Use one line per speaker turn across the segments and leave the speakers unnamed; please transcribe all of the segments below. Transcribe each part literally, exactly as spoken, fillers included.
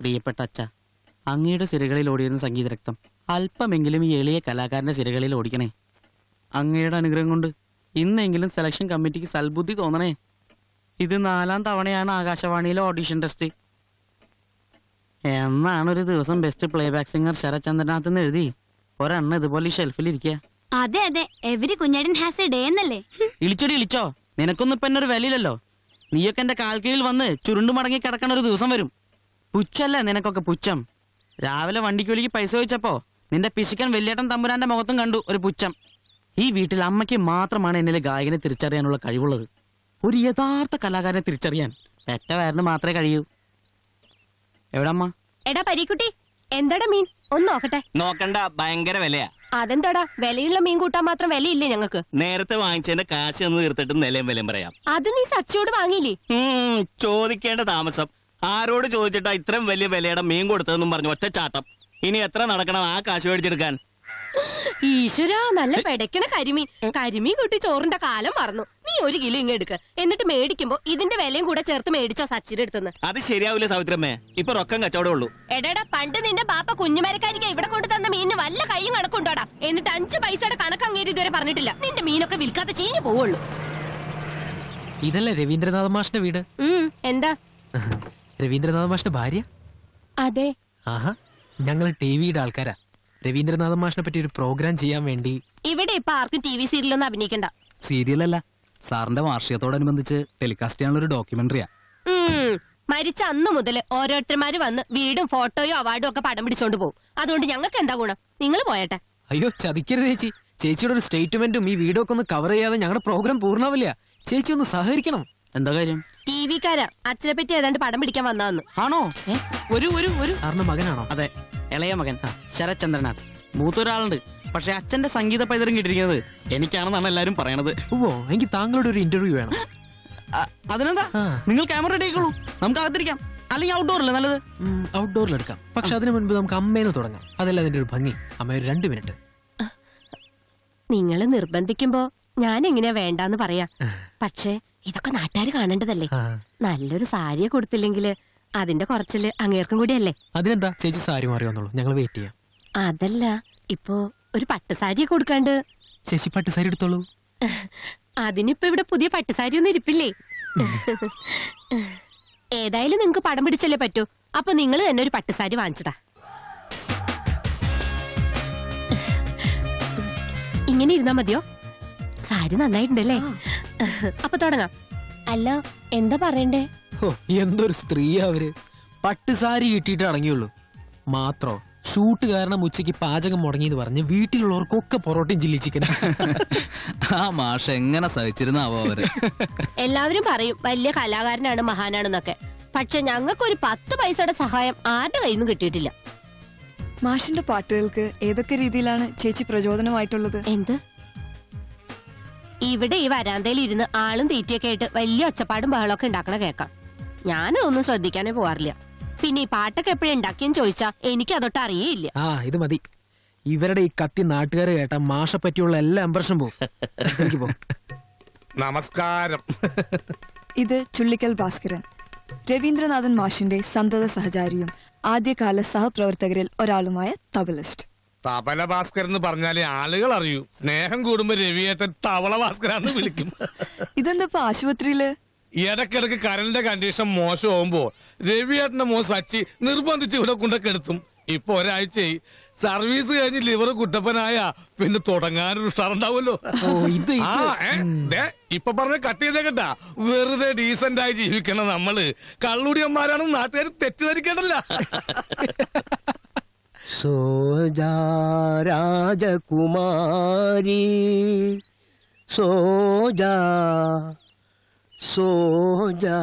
പ്രിയപ്പെട്ട അച്ഛ, അങ്ങയുടെ സിരകളിൽ ഓടിയിരുന്ന സംഗീത രക്തം അല്പമെങ്കിലും ഈ എളിയ കലാകാരന്റെ സിരകളിൽ ഓടിക്കണേ. അങ്ങയുടെ അനുഗ്രഹം കൊണ്ട് ഇന്നെങ്കിലും സെലക്ഷൻ കമ്മിറ്റിക്ക് സൽബുദ്ധി തോന്നണേ. ഇത് നാലാം തവണയാണ് ആകാശവാണിയിലെ ഓഡിഷൻ ടെസ്റ്റ്. എന്നാണ് ഒരു ദിവസം ബെസ്റ്റ് പ്ലേബാക്ക് സിംഗർ ശരചന്ദ്രനാഥ് എന്ന് എഴുതി ഒരെണ്ണം ഇതുപോലെ ഈ ഷെൽഫിൽ ഇരിക്കുക.
അതെ അതെ, every Kunjettan has a day എന്നല്ലേ.
ഇളിച്ചോടി ഇളിച്ചോ, നിനക്കൊന്നും ഇപ്പൊ എന്നൊരു വിലയില്ലല്ലോ. നീയൊക്കെ എന്റെ കാൽ കീഴിൽ വന്ന് ചുരുണ്ടു മടങ്ങി കിടക്കണ ഒരു ദിവസം വരും. പുച്ഛല്ലേ നിനക്കൊക്കെ പുച്ഛം. രാവിലെ വണ്ടിക്കൂലിക്ക് പൈസ ചോദിച്ചപ്പോ നിന്റെ പിശുക്കൻ വലിയേട്ടൻ തമ്പുരാന്റെ മുഖത്തും കണ്ടു ഒരു പുച്ഛം. ഈ വീട്ടിൽ അമ്മയ്ക്ക് മാത്രമാണ് എന്നിലെ ഗായകനെ തിരിച്ചറിയാനുള്ള കഴിവുള്ളത്. ഒരു യഥാർത്ഥ കലാകാരനെ തിരിച്ചറിയാൻ പെറ്റ വയറിന് മാത്രമേ കഴിയൂ. എവിടമ്മ?
എടാ പരീക്കുട്ടി, എന്താടാ മീൻ ഒന്ന് നോക്കട്ടെ.
നോക്കണ്ട, ഭയങ്കര വിലയാ.
അതെന്താടാ, വിലയുള്ള മീൻ കൂട്ടാൻ മാത്രം വിലയില്ലേ ഞങ്ങൾക്ക്?
നേരത്തെ വാങ്ങിച്ചതിന്റെ കാശ് ഒന്ന് തീർത്തിട്ട് നിലയും വിലയും പറയാം.
അത് നീ സച്ചിയോട് വാങ്ങിയില്ലേ?
ചോദിക്കേണ്ട താമസം. ആരോട് ചോദിച്ചിട്ടാ ഇത്രയും വലിയ വിലയുടെ മീൻ കൊടുത്തതെന്നും പറഞ്ഞു ഒറ്റ ചാട്ടം. ഇനി എത്ര നടക്കണം ആ കാശ് മേടിച്ചെടുക്കാൻ?
ഈശ്വരാ, നല്ല പെടക്കണ കരിമീൻ. കരിമീൻ കൂട്ടി ചോറിന്റെ കാലം മറന്നു. നീ ഒരു കിലോ ഇങ്ങ് എടുക്ക, എന്നിട്ട് മേടിക്കുമ്പോ ഇതിന്റെ വിലയും കൂടെ ചേർത്ത് മേടിച്ചോ സച്ചിന്റെ അടുത്തുനിന്ന്.
അത് ശരിയാവില്ല സാവിത്രമ്മേ, ഇപ്പൊ റൊക്കം കച്ചവടം ഉള്ളൂ.
എടാ, പണ്ട് നിന്റെ പാപ്പ കുഞ്ഞുമരക്കാരിക്ക് ഇവിടെ കൊണ്ടു തന്ന മീനിന് വല്ല കൈയും കണക്കുണ്ടോടാ? എന്നിട്ട് അഞ്ചു പൈസയുടെ കണക്ക് അങ്ങേര് ഇതുവരെ പറഞ്ഞിട്ടില്ല. നിന്റെ മീനൊക്കെ വിൽക്കാതെ ചീഞ്ഞു പോവുള്ളൂ.
ഇതല്ലേ രവീന്ദ്രനാഥ മാഷിന്റെ വീട്?
എന്താ?
രവീന്ദ്രനാഥ മാഷിന്റെ ഭാര്യ?
അതെ.
ആഹാ, ഞങ്ങൾ ടി വിയുടെ ആൾക്കാരാ. രവീന്ദ്രനാഥ മാഷിനെ പറ്റി ഒരു പ്രോഗ്രാം ചെയ്യാൻ വേണ്ടി.
ഇവിടെ ഇപ്പൊ ആർക്കും ടി വി സീരിയലൊന്നും അഭിനയിക്കണ്ട.
സീരിയൽ അല്ല, സാറിന്റെ വാർഷികത്തോടനുബന്ധിച്ച് ടെലികാസ്റ്റ് ചെയ്യാനുള്ള ഒരു ഡോക്യുമെന്ററിയാ.
മരിച്ച അന്ന് മുതൽ ഓരോരുത്തർമാര് വന്ന് വീടും ഫോട്ടോയോ അവാർഡും ഒക്കെ പടം പിടിച്ചോണ്ട് പോകും. അതുകൊണ്ട് ഞങ്ങൾക്ക് എന്താ ഗുണം? നിങ്ങൾ പോയട്ടെ.
അയ്യോ, ചതിക്കരുത് ചേച്ചി. ചേച്ചിയുടെ ഒരു സ്റ്റേറ്റ്മെന്റും ഈ വീഡിയോ ഒക്കെ ഒന്ന് കവർ ചെയ്യാതെ ഞങ്ങളുടെ പ്രോഗ്രാം പൂർണ്ണാവില്ല. ചേച്ചി ഒന്ന് സഹകരിക്കണം.
എന്താ കാര്യം?
ടി വിക്കാരാ അച്ഛനെ പറ്റി ഏതാണ്ട് പടം പിടിക്കാൻ വന്നതെന്ന്.
ആണോ? ഒരു ഒരു ഒരു
സാറിന്റെ മകനാണോ?
അതെ, ഇളയ മകൻ ശരചന്ദ്രനാഥ്. മൂത്തൊരാളുണ്ട്, പക്ഷെ അച്ഛന്റെ സംഗീത പൈതൃകം കിട്ടിയിരിക്കുന്നത് എനിക്കാണെന്നാണ് എല്ലാരും പറയണത്.
ഓ, എനിക്ക് താങ്കളുടെ ഒരു ഇന്റർവ്യൂ വേണം.
അതിനെന്താ, നിങ്ങൾ ക്യാമറ റെഡി ആയിക്കോളൂ, നമുക്ക് അകത്തിരിക്കാം. അല്ലെങ്കിൽ ഔട്ട്ഡോറില്ലേ നല്ലത്?
ഔട്ട്ഡോറിൽ എടുക്കാം, പക്ഷെ അതിനു മുൻപ് നമുക്ക് അമ്മേന്ന് തുടങ്ങാം. അതല്ല അതിന്റെ ഒരു ഭംഗി. അമ്മ ഒരു രണ്ട് മിനിറ്റ്.
നിങ്ങള് നിർബന്ധിക്കുമ്പോ ഞാൻ എങ്ങനെയാ വേണ്ടാന്ന് പറയാ. പക്ഷേ ഇതൊക്കെ നാട്ടുകാര് കാണേണ്ടതല്ലേ. നല്ലൊരു സാരിയെ കൊടുത്തില്ലെങ്കില് അതിന്റെ കുറച്ചില് അങ്ങേർക്കും കൂടിയല്ലേ.
അതിനെന്താ, ചേച്ചി സാരി മാറി വന്നോളൂ, ഞങ്ങൾ വെയിറ്റ് ചെയ്യാം.
അതല്ല, ഇപ്പൊ ഒരു പട്ടുസാരിയെ കൊടുക്കാണ്ട്.
ചേച്ചി പട്ടുസാരി എടുത്തോളൂ.
അതിനിപ്പോ ഇവിടെ പുതിയ പട്ടുസാരി ഒന്നും ഇരിപ്പില്ലേ. ഏതായാലും നിങ്ങക്ക് പടം പിടിച്ചല്ലേ പറ്റൂ. അപ്പൊ നിങ്ങൾ തന്നെ ഒരു പട്ടുസാരി വാങ്ങിച്ചതാ. ഇങ്ങനെ ഇരുന്നാ മതിയോ? സാരി നന്നായിട്ടുണ്ടല്ലേ? അപ്പൊ തുടങ്ങാം. അല്ല, എന്താ പറയണ്ടേ?
ഓ, എന്തൊരു സ്ത്രീയാ അവര്. പട്ടുസാരി കിട്ടിയിട്ട് അടങ്ങിയുള്ളൂ. മാത്രോ ഷൂട്ട് കാരണം ഉച്ചയ്ക്ക് പാചകം മുടങ്ങിയെന്ന് പറഞ്ഞ് വീട്ടിലുള്ളവർക്കൊക്കെ പൊറോട്ടയും ചില്ലി ചിക്കൻ.
ആ മാഷ എങ്ങനെ സഹിച്ചിരുന്നാവോ അവര്.
എല്ലാവരും പറയും വലിയ കലാകാരനാണ്, മഹാനാണെന്നൊക്കെ. പക്ഷെ ഞങ്ങൾക്കൊരു പത്ത് പൈസയുടെ സഹായം ആരുടെ കയ്യിൽ നിന്നും കിട്ടിയിട്ടില്ല.
മാഷിന്റെ പാട്ടുകൾക്ക് ഏതൊക്കെ രീതിയിലാണ് ചേച്ചി പ്രചോദനമായിട്ടുള്ളത്?
എന്ത്? ഇവിടെ ഈ വരാന്തയിൽ ഇരുന്ന് ആളും തീറ്റയൊക്കെ ആയിട്ട് വലിയ ഒച്ചപ്പാടും ബഹളമൊക്കെ ഉണ്ടാക്കണ കേൾക്കാം. ഞാനതൊന്നും ശ്രദ്ധിക്കാനേ പോവാറില്ല. പിന്നെ ഈ പാട്ടൊക്കെ എപ്പോഴും ഉണ്ടാക്കിയെന്ന് ചോദിച്ചാ എനിക്ക് അതൊട്ട് അറിയേയില്ല.
ആ, ഇത് മതി. ഇവരുടെ ഈ കത്തി നാട്ടുകാരെ കേട്ടാ മാഷെ പറ്റിയുള്ള എല്ലാ ഇംപ്രഷനും പോകും.
നമസ്കാരം.
ഇത് ചുള്ളിക്കൽ ഭാസ്കരൻ, രവീന്ദ്രനാഥൻ മാഷിന്റെ സന്തത സഹചാരിയും ആദ്യകാല സഹപ്രവർത്തകരിൽ ഒരാളുമായ തബലിസ്റ്റ്.
തബല ഭാസ്കരൻ എന്ന് പറഞ്ഞാലേ ആളുകൾ അറിയൂ. സ്നേഹം കൂടുമ്പോ രവിയേട്ടൻ തവള ഭാസ്കരാന്ന് വിളിക്കും.
ഇതെന്താ ആശുപത്രിയില്?
ഇടക്കിടക്ക് കരളിന്റെ കണ്ടീഷൻ മോശമാകുമ്പോ രവിയേട്ടന്റെ മോൻ സച്ചി നിർബന്ധിച്ച് ഇവിടെ കൊണ്ടൊക്കെടുത്തും. ഇപ്പൊ ഒരാഴ്ചയായി. സർവീസ് കഴിഞ്ഞ് ലിവർ കുട്ടപ്പനായ പിന്നെ തുടങ്ങാനൊരു ഉഷാറുണ്ടാവുമല്ലോ. ഇപ്പൊ പറഞ്ഞ കട്ട് ചെയ്തേക്കട്ടാ. വെറുതെ ഡീസന്റ് ആയി ജീവിക്കണം നമ്മള്. കള്ളുടിയന്മാരാണെന്ന് നാട്ടുകാർ തെറ്റിദ്ധരിക്കേണ്ടല്ല.
സോജാ രാജകുമാരി സോജാ സോജാ.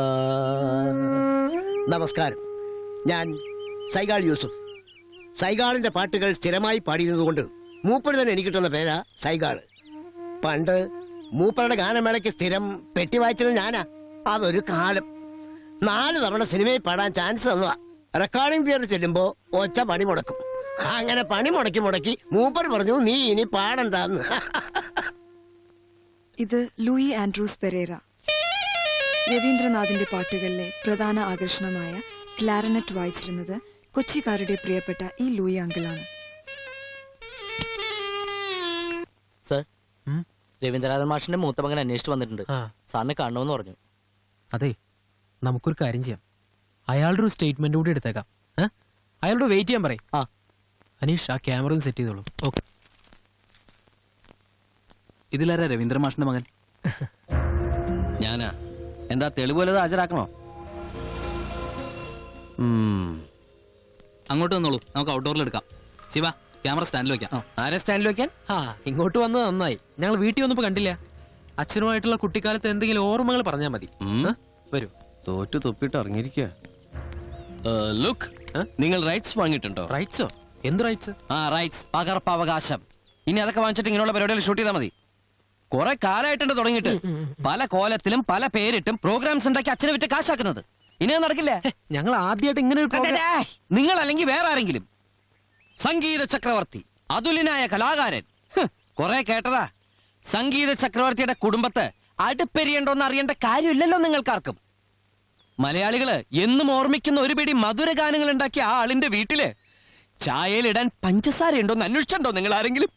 നമസ്കാരം, ഞാൻ സൈഗാൾ യൂസുഫ്. സൈഗാളിന്റെ പാട്ടുകൾ സ്ഥിരമായി പാടിയിരുന്നതുകൊണ്ട് മൂപ്പര് തന്നെ എനിക്ക് കിട്ടുന്ന പേരാ സൈഗാള്. പണ്ട് മൂപ്പരുടെ ഗാനമേളയ്ക്ക് സ്ഥിരം പെട്ടി വായിച്ചത് ഞാനാ. അതൊരു കാലം. നാല് തവണ സിനിമയിൽ പാടാൻ ചാൻസ് തന്നതാ. റെക്കോർഡിംഗ് തിയേറ്ററിൽ ചെല്ലുമ്പോ ഒച്ച പണി മുടക്കും. അങ്ങനെ പണി മുടക്കി മുടക്കി മൂപ്പർ പറഞ്ഞു നീ ഇനി പാടണ്ടെന്ന്.
ഇത് ലൂയി ആൻഡ്രൂസ് പെരേര. രവീന്ദ്രനാഥിന്റെ പാട്ടുകളിലെ പ്രധാന ആകർഷണമായ ക്ലാരനറ്റ് വായിച്ചിരുന്നത് കൊച്ചിക്കാരുടെ പ്രിയപ്പെട്ട ഈ ലൂയി അങ്കിളാണ്.
സർ,
ഉം?
രവീന്ദ്രനാഥൻ മാഷിന്റെ മൂത്ത മകൻ അന്വേഷിച്ചു വന്നിട്ടുണ്ട്.
ആ
സാറിനെ കാണണമെന്ന് പറഞ്ഞു.
അതെ, നമുക്കൊരു കാര്യം ചെയ്യാം. അയാളുടെ ഒരു സ്റ്റേറ്റ്മെന്റ് കൂടി എടുത്തേക്കാം. ഏ? അയാളോട് വെയിറ്റ് ചെയ്യാൻ പറയും.
ആ.
അനീഷ്, ആ ക്യാമറ ഒന്ന് സെറ്റ് ചെയ്തോളൂ. ഓക്കെ.
ഇതിലാരാ രവീന്ദ്ര മാഷിന്റെ മകൻ?
ഞാനാ. എന്താ തെളിവ് വല്ലതും ഹാജരാക്കണോ?
അങ്ങോട്ട് വന്നോളൂ, നമുക്ക് ഔട്ട്ഡോറിൽ എടുക്കാം. ശിവ, ക്യാമറ സ്റ്റാൻഡിൽ വെക്കാം.
ആരെ സ്റ്റാൻഡിൽ വെക്കാൻ?
ആ, ഇങ്ങോട്ട് വന്നത് നന്നായി. ഞങ്ങൾ വീട്ടിൽ വന്നപ്പോ കണ്ടില്ല. അച്ഛനുമായിട്ടുള്ള കുട്ടിക്കാലത്ത് എന്തെങ്കിലും ഓർമ്മകൾ പറഞ്ഞാൽ മതി. ഏ? വരൂ.
തോറ്റു തൊപ്പിട്ട് ഇറങ്ങിയിരിക്കുക. ലുക്ക്, നിങ്ങൾ റൈറ്റ്സ് വാങ്ങിയിട്ടുണ്ടോ?
റൈറ്റ്സോ? എന്ത് റൈറ്റ്സ്?
ആ, റൈറ്റ്സ്, പകർപ്പവകാശം. ഇനി അതൊക്കെ വാങ്ങിച്ചിട്ട് ഇങ്ങനെയുള്ള പരിപാടികൾ ഷൂട്ട് ചെയ്താൽ മതി. കുറെ കാലമായിട്ടുണ്ട് തുടങ്ങിയിട്ട്. പല കോലത്തിലും പല പേരിട്ടും പ്രോഗ്രാംസ് ഉണ്ടാക്കി അച്ഛനെ വിറ്റ് കാശാക്കുന്നത്. ഇനി അത് നടക്കില്ല.
ഞങ്ങൾ ആദ്യമായിട്ട് ഇങ്ങനെ ഒരു program-
നിങ്ങൾ അല്ലെങ്കിൽ വേറെ ആരെങ്കിലും. സംഗീത ചക്രവർത്തി, അതുലിനായ കലാകാരൻ. കുറെ കേട്ടതാ. സംഗീത ചക്രവർത്തിയുടെ കുടുംബത്ത് അടുപ്പെരിയണ്ടോന്ന് അറിയേണ്ട കാര്യമില്ലല്ലോ നിങ്ങൾക്കാർക്കും. മലയാളികള് എന്നും ഓർമ്മിക്കുന്ന ഒരു പിടി മധുര ഗാനങ്ങൾ ഉണ്ടാക്കിയ ആ ആളിന്റെ വീട്ടില് ചായയിലിടാൻ പഞ്ചസാര ഉണ്ടോന്ന് അന്വേഷിച്ചിട്ടുണ്ടോ നിങ്ങൾ ആരെങ്കിലും?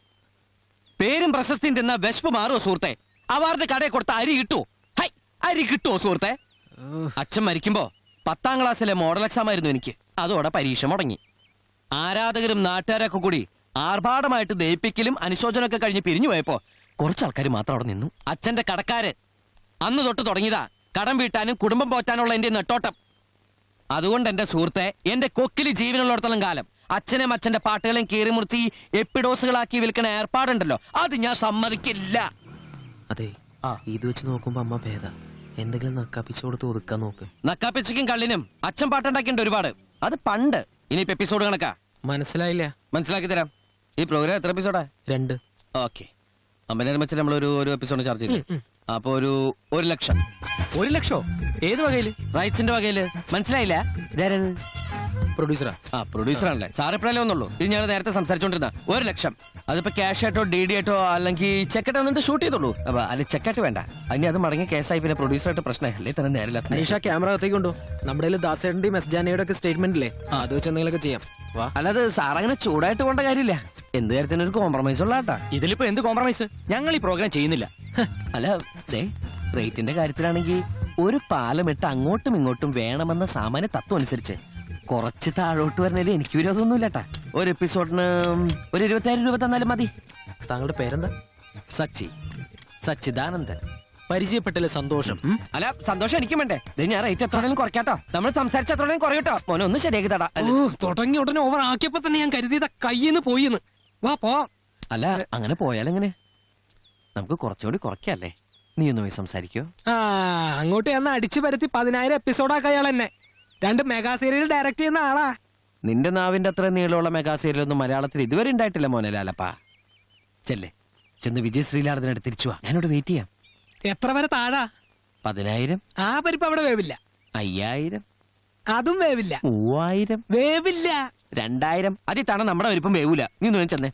പേരും പ്രശസ്തിയും തിന്ന വിശപ്പ് മാറുമോ സുഹൃത്തെ? അവാർഡ് കടയിൽ കൊടുത്ത അരി കിട്ടുമോ? ഹൈ, അരി കിട്ടുമോ സുഹൃത്തെ? അച്ഛൻ മരിക്കുമ്പോ പത്താം ക്ലാസ്സിലെ മോഡൽ എക്സാം ആയിരുന്നു എനിക്ക്. അതോടെ പരീക്ഷ മുടങ്ങി. ആരാധകരും നാട്ടുകാരൊക്കെ കൂടി ആർഭാടമായിട്ട് ദയിപ്പിക്കലും അനുശോചനമൊക്കെ കഴിഞ്ഞ് പിരിഞ്ഞു പോയപ്പോ കുറച്ചാൾക്കാർ മാത്രം അവിടെ നിന്നു. അച്ഛന്റെ കടക്കാര് അന്ന് തൊട്ട് തുടങ്ങിയതാ കടം വീട്ടാനും കുടുംബം പോറ്റാനുള്ള എന്റെ നെട്ടോട്ടം. അതുകൊണ്ട് എന്റെ സുഹൃത്തെ, എന്റെ കൊക്കില് ജീവനുള്ളിടത്തോളം കാലം അച്ഛനും അച്ഛന്റെ പാട്ടുകളും കീറിമുറിച്ച് ഈ എപ്പിഡോസുകളാക്കി വിൽക്കുന്ന ഏർപ്പാടുണ്ടല്ലോ, അത് ഞാൻ സമ്മതിക്കില്ല.
അതെ, ഇത് വെച്ച് നോക്കുമ്പോ അമ്മ ഭേദ. എന്തെങ്കിലും നക്കാപ്പിച്ചു കൊടുത്ത് ഒതുക്കാൻ നോക്ക്.
നക്കാപ്പിച്ചയ്ക്കും കള്ളിനും അച്ഛൻ പാട്ടുണ്ടാക്കിണ്ട് ഒരുപാട്. അത് പണ്ട്. ഇനിയിപ്പോ എപ്പിസോഡ് കണക്കാ.
മനസ്സിലായില്ല.
മനസ്സിലാക്കി തരാം. ഈ പ്രോഗ്രാം എത്ര എപ്പിസോഡാ?
രണ്ട്.
ഓക്കെ. അമ്പതിനായിരം വെച്ച് നമ്മളൊരു ഒരു എപ്പിസോഡ് ചാർജ് ചെയ്തു. അപ്പൊ ഒരു ഒരു ലക്ഷം.
ഒരു ലക്ഷോ? ഏത് വകയില്?
റൈറ്റ്സിന്റെ വകയില്. മനസ്സിലായില്ല? ഇതാരത്?
പ്രൊഡ്യൂസറാ.
ആ, പ്രൊഡ്യൂസർ ആണല്ലേ. സാർ എപ്പോഴല്ലേ വന്നുള്ളൂ. ഇത് ഞാൻ നേരത്തെ സംസാരിച്ചോണ്ടിരുന്ന ഒരു ലക്ഷം. അതിപ്പോ ക്യാഷ് ആയിട്ടോ ഡി ഡി ആയിട്ടോ അല്ലെങ്കിൽ ചെക്കായിട്ട് വന്നിട്ട് ഷൂട്ട് ചെയ്തോളൂ. അപ്പൊ അല്ലെ ചെക്കായിട്ട് വേണ്ട. അതിന് അത് മടങ്ങിയ കേസായി പിന്നെ പ്രൊഡ്യൂസറായിട്ട് പ്രശ്നമായി. അല്ലേ തന്നെ നേരില്ല.
അനീഷ, ക്യാമറ അകത്തേക്ക് കൊണ്ടു. നമ്മുടെ ദാസേട്ടന്റെയും എസ് ജാനയുടെ ഒക്കെ സ്റ്റേറ്റ്മെന്റ് ഇല്ലേ, അത് വെച്ച് എന്തെങ്കിലുമൊക്കെ ചെയ്യാം. വാ.
അല്ലാതെ സാർ അങ്ങനെ ചൂടായിട്ട് പോണ്ട കാര്യമില്ല. എന്ത് കാര്യത്തിന് ഒരു കോംപ്രമൈസ് ഉള്ള കേട്ടാ.
ഇതിലിപ്പോ എന്ത് കോംപ്രമൈസ്? ഞങ്ങൾ ഈ പ്രോഗ്രാം ചെയ്യുന്നില്ല.
അല്ല, റേറ്റിന്റെ കാര്യത്തിലാണെങ്കിൽ ഒരു പാലമിട്ട് അങ്ങോട്ടും ഇങ്ങോട്ടും വേണമെന്ന സാമാന്യ തത്വം അനുസരിച്ച് കുറച്ച് താഴോട്ട് വരുന്നതിൽ എനിക്ക് വിരോധമൊന്നുമില്ലട്ടാ. ഒരു എപ്പിസോഡിന് ഒരു ഇരുപത്തിയായിരം രൂപ തന്നാലും മതി.
താങ്കളുടെ പേരെന്താ?
സച്ചി, സച്ചിദാനന്ദൻ.
പരിചയപ്പെട്ടല്ലേ, സന്തോഷം. ഉം?
അല്ല, സന്തോഷം എനിക്കും വേണ്ടേ. ഇത് ഞാൻ റേറ്റ് എത്രയും കുറയ്ക്കാട്ടോ. നമ്മൾ സംസാരിച്ച എത്രയും കുറയട്ടോ. മോനെ ഒന്ന് ശരിയാക്കി തടാ.
ഓ, തുടങ്ങി ഉടനെ ഓവർ ആക്കിയപ്പോ തന്നെ ഞാൻ കരുതിയതാ കയ്യിന്ന് പോയിന്ന്. വാ പോ.
അല്ല, അങ്ങനെ പോയാലെങ്ങനെ? നമുക്ക് കുറച്ചുകൂടി കുറയ്ക്കല്ലേ? നീ ഒന്ന് പോയി സംസാരിക്കോ?
ആ, അങ്ങോട്ട് ചെന്ന് അടിച്ചു പരത്തി പതിനായിരം എപ്പിസോഡാക്ക അയാൾ എന്നെ. രണ്ട് മെഗാ സീരിയൽ ഡയറക്ട് ചെയ്യുന്ന ആളാ.
നിന്റെ നാവിന്റെ അത്ര നീളമുള്ള മെഗാ സീരിയലൊന്നും മലയാളത്തിൽ ഇതുവരെ ഉണ്ടായിട്ടില്ല മോനെ ലാലപ്പാ. ചെല്ലേ, ചെന്ന് വിജയ് ശ്രീലാടത്തിനടുത്ത് തിരിച്ചു വാ. ഞാനിവിടെ വെയിറ്റ് ചെയ്യാം.
എത്ര വരെ താഴാ?
പതിനായിരം.
ആ പരിപ്പ് അവിടെ വേവില്ല.
അയ്യായിരം.
അതും വേവില്ല.
മൂവായിരം.
വേവില്ല.
രണ്ടായിരം. അതി തണ നമ്മുടെ വലിപ്പം വേവൂല. നീ ഒന്ന് ചെന്നേ.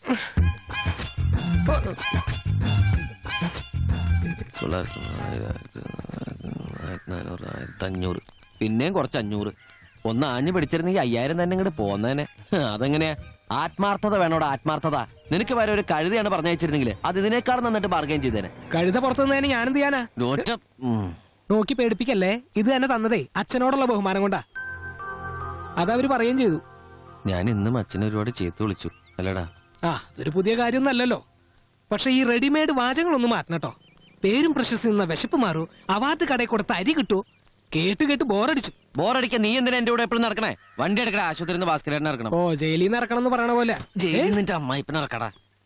അഞ്ഞൂറ്. പിന്നെയും കുറച്ച് അഞ്ഞൂറ്. ഒന്ന് ആഞ്ഞു പിടിച്ചിരുന്നെങ്കിൽ അയ്യായിരം തന്നെ ഇങ്ങോട്ട് പോന്നേനെ. അതെങ്ങനെയാ? ആത്മാർത്ഥത വേണോടാ, ആത്മാർത്ഥത. നിനക്ക് വരെ ഒരു കഴുതയാണ് പറഞ്ഞയച്ചിരുന്നെങ്കിൽ അത് ഇതിനേക്കാൾ നന്നിട്ട് ബാർഗൈൻ ചെയ്തേനെ.
കഴുത പുറത്തുനിന്നതിന് ഞാനെന്ത് ചെയ്യാനാ? നോക്കി പേടിപ്പിക്കല്ലേ. ഇത് തന്നെ തന്നതേ അച്ഛനോടുള്ള ബഹുമാനം കൊണ്ടാ. അതവര് പറയുകയും ചെയ്തു.
ഞാൻ ഇന്നും അച്ഛനെ ഒരുപാട് ചേർത്ത് വിളിച്ചു അല്ലടാ.
ആ, അതൊരു പുതിയ കാര്യമൊന്നല്ലല്ലോ. പക്ഷെ ഈ റെഡിമെയ്ഡ് വാചകങ്ങളൊന്നും മാറ്റണട്ടോ. പേരും പ്രശസ്തി നിന്ന വിശപ്പ് മാറൂ, അവാർഡ് കടയിൽ കൊടുത്ത അരി കിട്ടൂ. കേട്ട് കേട്ട് ബോറടിച്ചു.
ബോറടിക്കാൻ നീ എന്തിനാ എന്റെ കൂടെ എപ്പോഴും നടക്കണേ? വണ്ടി എടുക്കടാ, ആശുപത്രി ഭാസ്കരനെ ഇറക്കണം.
ഓ, ജയിലിൽ നിന്ന് ഇറക്കണം എന്ന് പറയണ പോലെ.
ജയിലിൽ നിന്റെ അമ്മായിപ്പനെ ഇറക്കടാ.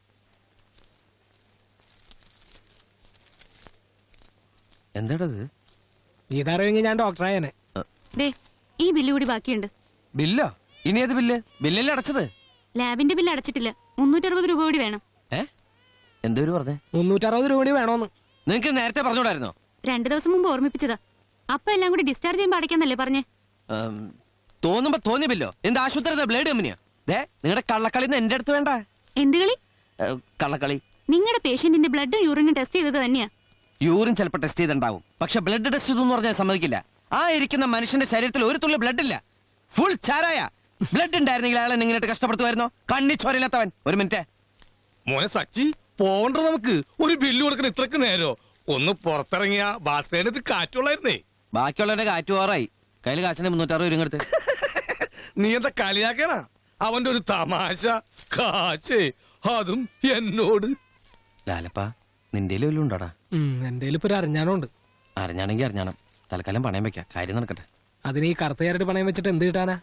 എന്താടത്?
ഇതറിയെങ്കിൽ ഞാൻ ഡോക്ടറായനെ.
ഈ ബില്ല് കൂടി ബാക്കിയുണ്ട്.
ബില്ലോ? ഇനി ഏത് ബില്ല്? ബില്ലല്ലേ അടച്ചത്?
ലാബിന്റെ ബില്ല് അടച്ചിട്ടില്ല. മുന്നൂറ്ററുപത് രൂപ കൂടി വേണം.
ഏ, എന്തോരു പറഞ്ഞേ?
മുന്നൂറ്ററുപത് രൂപ കൂടി വേണോന്ന്.
നിങ്ങക്ക് നേരത്തെ പറഞ്ഞൂടായിരുന്നോ?
രണ്ടു ദിവസം മുമ്പ് ഓർമ്മിപ്പിച്ചതാ. അപ്പൊ എല്ലാം കൂടി ഡിസ്ചാർജ് ചെയ്യുമ്പോ അടയ്ക്കാന്നല്ലേ പറഞ്ഞേ?
തോന്നുമ്പോ തോന്നിയ ബില്ലോ? എന്ത് ആശുപത്രി ബ്ലേഡ് കമ്പനിയാ? ദേ, നിങ്ങളുടെ കള്ളക്കളി എന്റെ അടുത്ത് വേണ്ട.
എന്ത് കളി?
കള്ളക്കളി.
നിങ്ങളുടെ പേഷ്യന്റിന്റെ ബ്ലഡും യൂറിനും ടെസ്റ്റ് ചെയ്തത് തന്നെയാ.
യൂറിൻ ചിലപ്പോൾ ടെസ്റ്റ് ചെയ്തിട്ടുണ്ടാവും, പക്ഷെ ബ്ലഡ് ടെസ്റ്റ് ചെയ്തെന്ന് പറഞ്ഞാൽ സമ്മതിക്കില്ല.
ആ ഇരിക്കുന്ന മനുഷ്യന്റെ ശരീരത്തിൽ ഒരു തുള്ളി ബ്ലഡ് ഇല്ല, ഫുൾ ചാരായ. ബ്ലഡ് ഉണ്ടായിരുന്നെങ്കിൽ അയാൾ എന്നെ ഇങ്ങനെ കഷ്ടപ്പെടുത്തുമായിരുന്നോ? കണ്ണി ചോരയില്ലാത്തവൻ. ഒരു മിനിറ്റ്.
മോനെ സച്ചി പോണ്ട, നമുക്ക് ഒരു ബില്ല് കൊടുക്കണ ഇത്രക്ക് നേരോ? ഒന്ന് പുറത്തിറങ്ങിയ ബാസ്കറ്റിനകത്ത് കാറ്റുള്ളായിരുന്നേ.
ബാക്കിയുള്ളവരുടെ കാറ്റ് പോറായി. കയ്യിൽ കാശിന്റെ മുന്നൂറ്ററുപത് രൂപ എടുത്ത്.
നീ എന്താ കളിയാക്കണ? അവന്റെ ഒരു തമാശ കാച്ചേ, അതും എന്നോട്.
ലാലപ്പ നിന്റെ വല്ലതും ഉണ്ടോടാ?
എന്റെ ഇപ്പൊ ഒരു അറിഞ്ഞാനുണ്ട്.
അറിഞ്ഞാണെങ്കിൽ അറിഞ്ഞാണം. തൽക്കാലം പണയം വെക്കാം, കാര്യം നടക്കട്ടെ.
അതിന് ഈ കറുത്തയാരുടെ പണയം വെച്ചിട്ട് എന്ത് കിട്ടാനാ?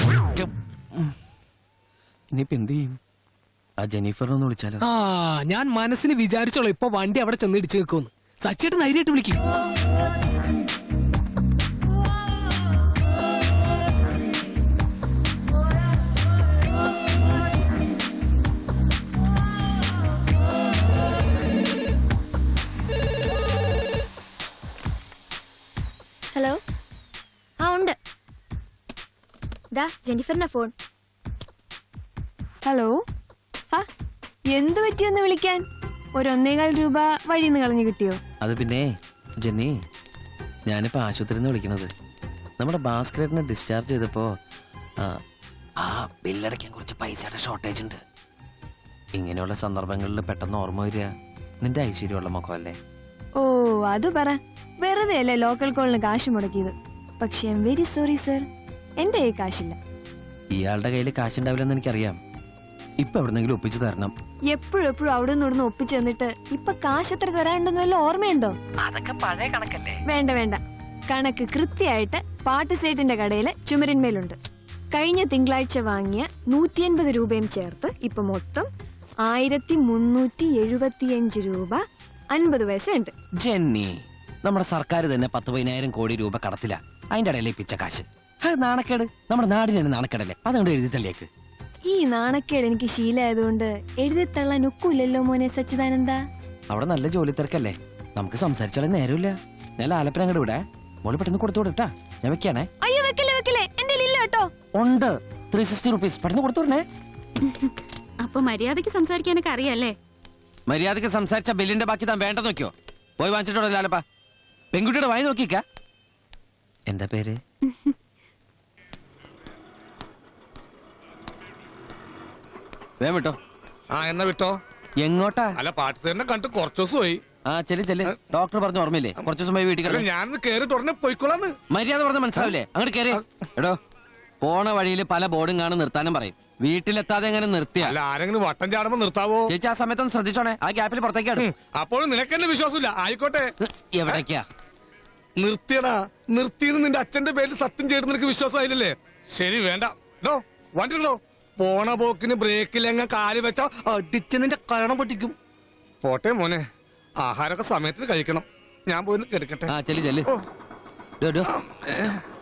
ഇനിയിപ്പോ എന്ത് ചെയ്യും? ആ ജെനിഫറിനൊന്ന് വിളിച്ചാലോ?
ആ ഞാൻ മനസ്സിന് വിചാരിച്ചോളൂ ഇപ്പൊ വണ്ടി അവിടെ ചെന്ന് ഇടിച്ചു നിൽക്കുമെന്ന്. സച്ചിട്ട് ധൈര്യമായിട്ട് വിളിക്കും.
ഹലോ, ആ ഉണ്ട്. ദാ ജെന്നിഫറിന്റെ ഫോൺ.
ഹലോ, ആ എന്തു പറ്റിയൊന്ന് വിളിക്കാൻ? ഒരു ഒന്നേകാൽ രൂപ വഴിന്ന് കളഞ്ഞു കിട്ടിയോ?
അത് പിന്നെ ജെന്നി, ഞാനിപ്പോ ആശുപത്രിയിൽ നിന്ന് വിളിക്കണത്. നമ്മുടെ ഭാസ്കരനെ ഡിസ്ചാർജ് ചെയ്തപ്പോ ആ, ആ ബില്ലടയ്ക്കാൻ കുറച്ച് പൈസയുടെ ഷോർട്ടേജ് ഉണ്ട്. ഇങ്ങനെയുള്ള സന്ദർഭങ്ങളിൽ പെട്ടെന്ന് ഓർമ്മ വരിക നിന്റെ ഐശ്വര്യമുള്ള മുഖമല്ലേ?
ഓ അത് പറ. വെറുതെ അല്ലേ ലോക്കൽ കോളിന് കാശ് മുടക്കിയത്. പക്ഷെ I'm very sorry sir, എന്റെ കയ്യിൽ കാശില്ല.
ഇയാളുടെ കയ്യിൽ കാശുണ്ടാവില്ലെന്ന് എനിക്കറിയാം. ഇപ്പൊ എവിടെന്നെങ്കിലും ഒപ്പിച്ചു തരണം.
എപ്പോഴും എപ്പോഴും അവിടെ നിന്ന് ഇവിടുന്ന് ഒപ്പിച്ചു തന്നിട്ട് ഇപ്പൊ കാശ് എത്ര തരാനുണ്ടെന്ന് വല്ല ഓർമ്മയുണ്ടോ?
അതൊക്കെ പഴയ കണക്കല്ലേ.
വേണ്ട വേണ്ട, കണക്ക് കൃത്യമായിട്ട് പാട്ട് സേറ്റിന്റെ കടയില് ചുമരിന്മേലുണ്ട്. കഴിഞ്ഞ തിങ്കളാഴ്ച വാങ്ങിയ നൂറ്റി അൻപത് രൂപയും ചേർത്ത് ഇപ്പൊ മൊത്തം ആയിരത്തി മുന്നൂറ്റി എഴുപത്തിയഞ്ച് രൂപ അൻപത് പൈസ ഉണ്ട്.
ജെന്നി, നമ്മുടെ സർക്കാർ തന്നെ പത്ത് പതിനായിരം കോടി രൂപ കടത്തില്ല. അതിന്റെ ഇടയിലെ പിച്ച കാശ്. അത് നാണക്കേട്, നമ്മുടെ നാടിന് തന്നെ നാണക്കേടല്ലേ. അതുകൊണ്ട് എഴുതി തള്ളിയേക്ക്.
ഈ നാണക്കേട് എനിക്ക് ശീലമായതുകൊണ്ട് എഴുതിത്തള്ളാൻ ഒക്കില്ലല്ലോ മോനെ സച്ചിദാനന്ദ.
അവിടെ നല്ല ജോലി തിരക്കല്ലേ, നമുക്ക് സംസാരിച്ചാലും നേരമില്ല. ഞാൻ ലാലപ്പന അങ്ങോട്ട് വിടേ. മോള് പെട്ടെന്ന് കൊടുത്തു വിടട്ടാ. ഞാൻ വെക്കാണേ.
അയ്യോ വെക്കല്ലേ വെക്കല്ലേ, എന്റെ ഇല്ല കേട്ടോ.
ഉണ്ട് ത്രീ സിക്സ്റ്റി റുപ്പീസ്. പെട്ടെന്ന് കൊടുത്തു വിടണേ.
അപ്പൊ മര്യാദക്ക് സംസാരിക്കാനൊക്കെ അറിയാല്ലേ?
മര്യാദക്ക് സംസാരിച്ച ബില്ലിന്റെ ബാക്കി താൻ വേണ്ട നോക്കിയോ? പോയി വാങ്ങിച്ചിട്ടോ ലാലപ്പ. പെൺകുട്ടിയുടെ വായി നോക്കിക്ക. എന്താ പേര്? വേം വിട്ടോ.
ആ എന്നാ വിട്ടോ.
എങ്ങോട്ടാ?
അല്ല പാട്ട് സേറിനെ കണ്ടിട്ട് കുറച്ചു ദിവസമായി.
ആ ചെല്ലു ചെല്ലു. ഡോക്ടർ പറഞ്ഞ ഓർമ്മയില്ലേ കുറച്ചു ദിവസം പോയി വീട്ടിൽ
അല്ല,
കിടന്ന്?
ഞാനൊന്ന് കേറി തുടനെ പോയിക്കോളാന്ന്.
മര്യാദ പറഞ്ഞ മനസ്സിലാവില്ലേ? അങ്ങോട്ട് കയറി. എടോ, പോണ വഴിയിൽ പല ബോർഡും കാണും നിർത്താനും പറയും. വീട്ടിലെത്താതെ എങ്ങനെ നിർത്തിയ?
അല്ല ആരെങ്കിലും വട്ടം ചാടുമ്പോ നിർത്താവോ?
ചേച്ചി ആ സമയത്തൊന്ന് ശ്രദ്ധിച്ചോണേ. ആ ഗ്യാപ്പിൽ പുറത്തേക്കാണ്.
അപ്പോഴും നിനക്കെന്നെ വിശ്വാസമില്ല. ആയിക്കോട്ടെ,
എവിടേക്കാ?
നിർത്തിയടാ. നിർത്തിയെന്ന് നിന്റെ അച്ഛന്റെ പേരിൽ സത്യം ചെയ്ത് നിനക്ക് വിശ്വാസമായില്ലേ? ശരി, വേണ്ട. ഡോ വണ്ടി ഉണ്ടോ? പോണ പോക്കിന് ബ്രേക്കിലെങ്ങ കാല് വെച്ചാ അടിച്ച് നിന്റെ കരണം പൊട്ടിക്കും. പോട്ടെ മോനെ, ആഹാരമൊക്കെ സമയത്തിന് കഴിക്കണം. ഞാൻ പോയി കിടക്കട്ടെ.
ആ ചെല്ലു ചെല്ലു.
ഓ.
ഡോ, ഡോ.